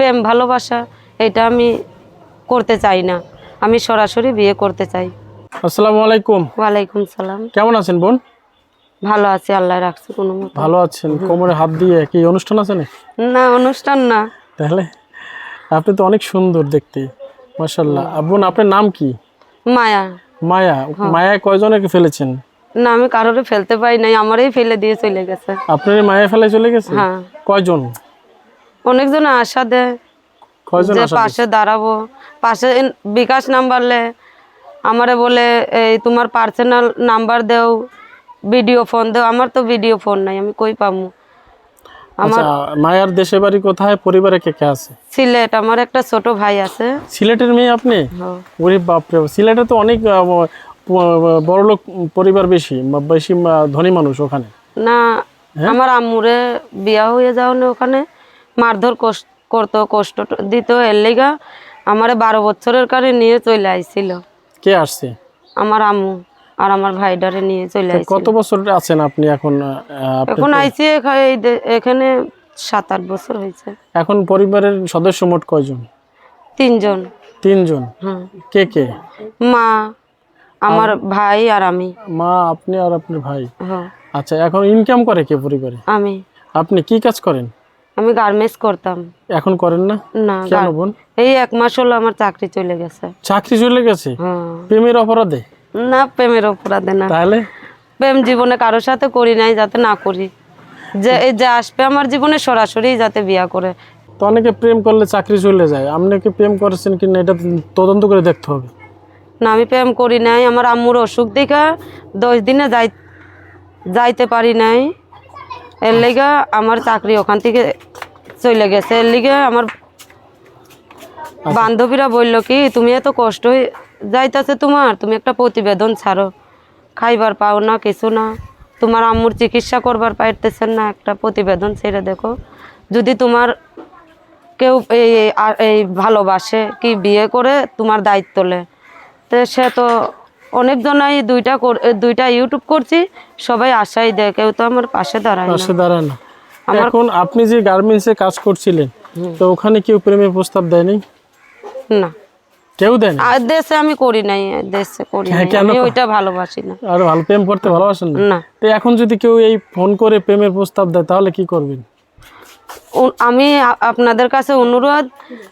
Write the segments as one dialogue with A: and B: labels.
A: প্রেম ভালোবাসা এটা আমি করতে চাই না, আমি সরাসরি বিয়ে করতে চাই।
B: আসসালামু আলাইকুম।
A: ওয়ালাইকুম সালাম।
B: কেমন আছেন বোন?
A: ভালো আছি, আল্লাহ রাখছে কোনো মতো।
B: ভালো আছেন? কোমরে হাত দিয়ে কি অনুষ্ঠান আছে না?
A: না, অনুষ্ঠান না।
B: তাহলে আপনি তো অনেক সুন্দর দেখতে, মাশাআল্লাহ। বোন আপনার নাম কি?
A: মায়া।
B: মায়া। মায়া কয়জনকে ফেলেছেন?
A: না, আমি কারোরে ফেলতে পাই নাই, আমারই ফেলে দিয়ে চলে গেছে।
B: আপনার মায়া ফেলে চলে গেছে?
A: হ্যাঁ।
B: কয়জন?
A: অনেকজন আশা দেয়
B: কয়জন
A: যে
B: আশা
A: পাশে দাঁড়াবো, পাশে বিকাশ নাম্বারলে আমারে বলে এই তোমার পার্সোনাল নাম্বার দেও, ভিডিও ফোন দেও। আমার তো ভিডিও ফোন নাই, আমি কই পামু?
B: আচ্ছা, মায়ার দেশে বাড়ি কোথায়? পরিবারে কে কে আছে?
A: সিলেট, আমার একটা ছোট ভাই আছে।
B: সিলেটের মেয়ে আপনি?
A: হ্যাঁ।
B: ওরে বাপরে, সিলেটে তো অনেক বড় লোক পরিবার, বেশি বেশি ধনী মানুষ ওখানে।
A: না, আমার আম্মুরে বিয়া হয়ে যাও না, ওখানে মারধর করতো, কষ্ট দিত। এর লিগা আমারে 12 বছরের কারে নিয়ে চলে আইছিল।
B: কে আসছে?
A: আমার আম্মু আর আমার ভাইডারে নিয়ে চলে আইছিল।
B: কত বছর আছেন আপনি এখন?
A: এখন আইছি এখানে 7-8 বছর হয়েছে।
B: এখন পরিবারের সদস্য মোট কয়জন?
A: 3 জন।
B: 3 জন।
A: হ্যাঁ।
B: কে কে?
A: মা, আমার ভাই আর আমি।
B: মা, আপনি আর আপনার ভাই।
A: হ্যাঁ।
B: আচ্ছা, এখন ইনকাম করে কে পরিবারে?
A: আমি
B: আপনি কি কাজ করেন?
A: আমি গার্মেন্টস করতাম।
B: এখন করেন না?
A: না,
B: কেন বোন?
A: এই 1 মাস হলো আমার চাকরি চলে গেছে।
B: চাকরি চলে গেছে?
A: হ্যাঁ।
B: প্রেমের অপরাধে?
A: না, প্রেমের অপরাধে না।
B: তাহলে
A: প্রেম জীবনে কারোর সাথে করি নাই, যাতে না করি। যে আসবে আমার জীবনে সরাসরি যাতে বিয়া করে।
B: তো অনেকে প্রেম করলে চাকরি চলে যায়, আপনি কি প্রেম করেছেন কিনা এটা তদন্ত করে দেখতে হবে।
A: না, আমি প্রেম করি নাই। আমার আম্মুর অসুখ দেখা 10 দিনে যাইতে পারি নাই। এর লিগা আমার চাকরি ওখান থেকে চলে গেছে। এর লিগে আমার বান্ধবীরা বলল কি, তুমি এত কষ্ট যাইতেছে তোমার, তুমি একটা প্রতিবেদন ছাড়ো, খাইবার পাও না, কিছু না, তোমার আম্মুর চিকিৎসা করবার পাইতেছেন না, একটা প্রতিবেদন ছেড়ে দেখো। যদি তোমার কেউ এই ভালোবাসে, কি বিয়ে করে তোমার দায়িত্ব লে। তো সে তো অনেকজনাই দুইটা ইউটিউব করছি, সবাই আশাই দেয়, কেউ তো আমার পাশে দাঁড়ায় না।
B: এখন আপনি যে গার্মেন্টসে কাজ করছিলেন, তো ওখানে কেউ প্রেমের প্রস্তাব দেয়নি?
A: না,
B: কেউ দেয়নি?
A: আর দেশে আমি করি নাই, দেশে করি নাই, আমি ওইটা ভালোবাসি না।
B: আর ভালো প্রেম করতে ভালোবাসেন
A: না।
B: তো এখন যদি কেউ এই ফোন করে প্রেমের প্রস্তাব দেয় তাহলে কি করবেন?
A: আমি আপনাদের কাছে অনুরোধ,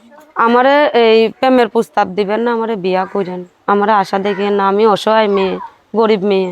A: আমারে এই প্রেমের প্রস্তাব দিবেন না, আমারে বিয়া করেন, আমারে আশা দেখেন না। আমি অসহায় মেয়ে, গরিব মেয়ে,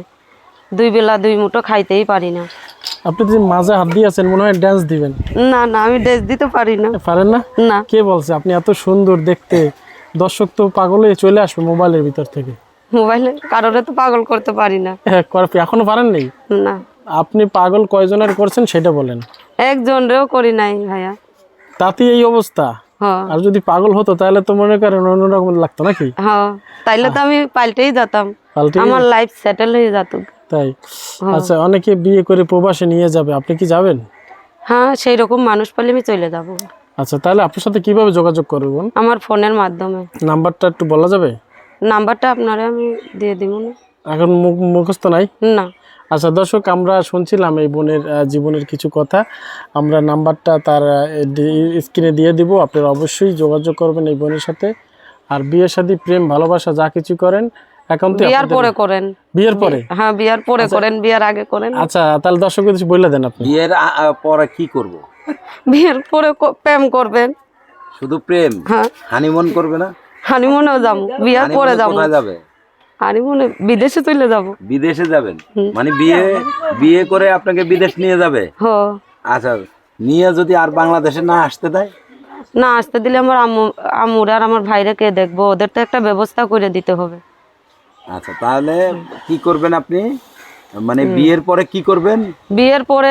A: 2 বেলা 2 মুঠো খাইতেই পারি না।
B: আপনি যে মাঝে হাত দিয়ে আছেন, মনে হয় ড্যান্স দিবেন।
A: না না, আমি ড্রেস দিতে পারি না।
B: পারেন না?
A: না।
B: কে বলছে? আপনি এত সুন্দর দেখতে, দর্শক তো পাগল হয়ে চলে আসবে মোবাইলের ভিতর থেকে।
A: মোবাইলে কারোরে তো পাগল করতে পারি না।
B: এখনো পারেন নাই?
A: না।
B: আপনি পাগল কয়জনের করছেন সেটা বলেন।
A: একজনেরও করি নাই ভাইয়া।
B: তাতে এই অবস্থা।
A: হ্যাঁ।
B: আর যদি পাগল হতো তাহলে তো মনে করেন অন্যরকম লাগতো নাকি?
A: হ্যাঁ, তাইলে তো আমি পাল্টেই যেতাম, আমার লাইফ সেটেল হয়ে যেত।
B: তাই? আচ্ছা, অনেকে বিয়ে করে প্রবাসে নিয়ে যাবে, আপনি কি যাবেন?
A: হ্যাঁ, সেই রকম মানুষ পেলে আমি চলে যাব।
B: আচ্ছা, তাহলে আপনার সাথে কিভাবে যোগাযোগ করবেন?
A: আমার ফোনের মাধ্যমে।
B: নাম্বারটা একটু বলা যাবে?
A: নাম্বারটা আপনারে আমি দিয়ে দিব না।
B: এখন মুখস্থ নাই?
A: না।
B: আচ্ছা দর্শক, আমরা শুনছিলাম এই বোনের জীবনের কিছু কথা। আমরা নাম্বারটা তার স্ক্রিনে দিয়ে দিব, আপনারা অবশ্যই যোগাযোগ করবেন এই বোনের সাথে। আর বিয়ে শাদী, প্রেম ভালোবাসা যা কিছু করেন একান্তই
A: বিয়ার পরে করেন।
B: বিয়ের পরে?
A: হ্যাঁ, বিয়ার পরে করেন, বিয়ার আগে করেন।
B: আচ্ছা, তাহলে দর্শকদের কিছু বলে দেন আপনি।
C: বিয়ের পরে কি করব?
A: বিয়ের পরে প্রেম করবেন।
C: শুধু প্রেম?
A: হ্যাঁ।
C: হানিমুন করবে না?
A: হানিমুনেও যাবো, বিয়ার পরে যাবো।
C: কোথায় যাবে?
A: হানিমুনে বিদেশে চলে যাব।
C: বিদেশে যাবেন? মানে বিয়ে করে আপনাকে বিদেশ নিয়ে যাবে?
A: হ্যাঁ।
C: আচ্ছা, নিয়ে যদি আর বাংলাদেশে না আসতে দেয়?
A: না আসতে দিলে আমার আম্মুর আর আমার ভাইরে কে দেখবো, ওদের তো একটা ব্যবস্থা করে দিতে হবে।
C: আচ্ছা, তাহলে কি করবেন আপনি? মানে বিয়ের পরে কি করবেন?
A: বিয়ের পরে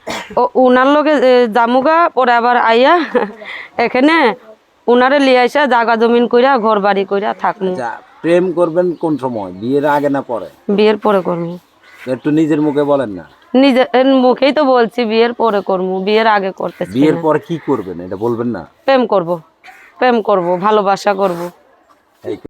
A: উনার লোকে জামুগা, পরে আবার আইয়া এখানে উনারে লিয়ে আইসা জায়গা জমিন কইরা ঘর বাড়ি কইরা থাকবো।
C: আচ্ছা, প্রেম করবেন কোন সময়? বিয়ের আগে না পরে?
A: বিয়ের পরে করবো।
C: একটু নিজের মুখে বলেন না।
A: নিজের মুখেই তো বলছি বিয়ের পরে করবো, বিয়ের আগে করতেছি।
C: বিয়ের পরে কি করবেন এটা বলবেন না?
A: প্রেম করব, ভালোবাসা করব।